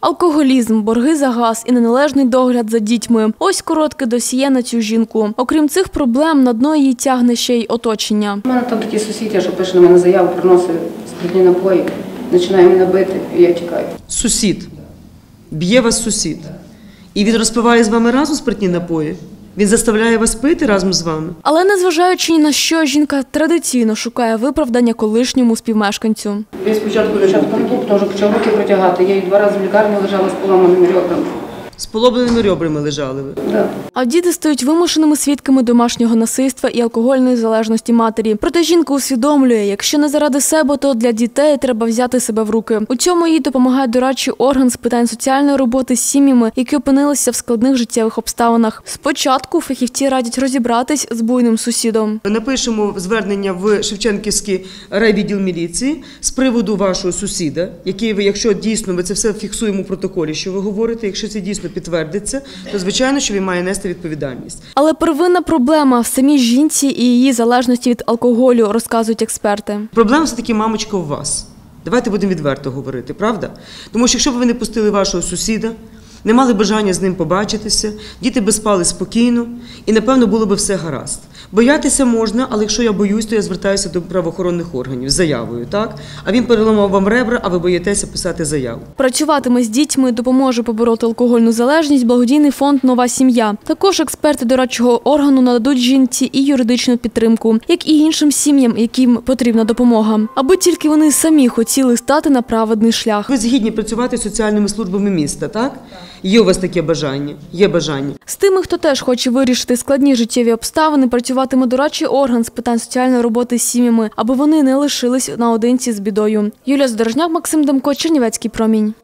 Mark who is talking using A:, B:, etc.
A: Алкоголізм, борги за газ і неналежний догляд за дітьми – ось коротке досьє на цю жінку. Окрім цих проблем, на дно її тягне ще й оточення.
B: У мене там такі сусіди, що пише на мене заяву, приносить спиртні напої, починає мене бити, і я тікаю.
C: Сусід. Б'є вас сусід. І він розпиває з вами разом спиртні напої? Він заставляє вас пити разом з вами?
A: Але незважаючи ні на що, жінка традиційно шукає виправдання колишньому співмешканцю.
B: Він спочатку контур, теж почав руки протягати. Я 2 рази в лікарні лежала з поламаними ребрами.
C: З поломаними ребрами лежали ви?
B: Да.
A: А діти стають вимушеними свідками домашнього насильства і алкогольної залежності матері. Проте жінка усвідомлює, якщо не заради себе, то для дітей треба взяти себе в руки. У цьому їй допомагає дорадчий орган з питань соціальної роботи з сім'ями, які опинилися в складних життєвих обставинах. Спочатку фахівці радять розібратись з буйним сусідом.
C: Ми напишемо звернення в Шевченківський райвідділ міліції з приводу вашого сусіда, який ви, якщо дійсно ми це все фіксуємо в протоколі, що ви говорите, якщо це дійсно підтвердиться, то звичайно, що він має нести відповідальність.
A: Але первинна проблема в самій жінці і її залежності від алкоголю, розказують експерти.
C: Проблема все-таки, мамочка, у вас. Давайте будемо відверто говорити, правда? Тому що якщо б ви не пустили вашого сусіда, не мали бажання з ним побачитися, діти би спали спокійно і, напевно, було б все гаразд. Боятися можна, але якщо я боюсь, то я звертаюся до правоохоронних органів з заявою, так? А він переламав вам ребра, а ви боїтеся писати заяву.
A: Працюватиме з дітьми, допоможе побороти алкогольну залежність благодійний фонд «Нова сім'я». Також експерти дорадчого органу нададуть жінці і юридичну підтримку, як і іншим сім'ям, яким потрібна допомога. Аби тільки вони самі хотіли стати на праведний шлях.
C: Ви згідні працювати з соціальними службами міста, так? Є у вас таке бажання? Є бажання.
A: З тими, хто теж хоче вирішити складні життєві обставини, працюватиме дорадчий орган з питань соціальної роботи з сім'ями, аби вони не лишились наодинці з бідою. Юлія Задорожняк, Максим Демко, Чернівецький промінь.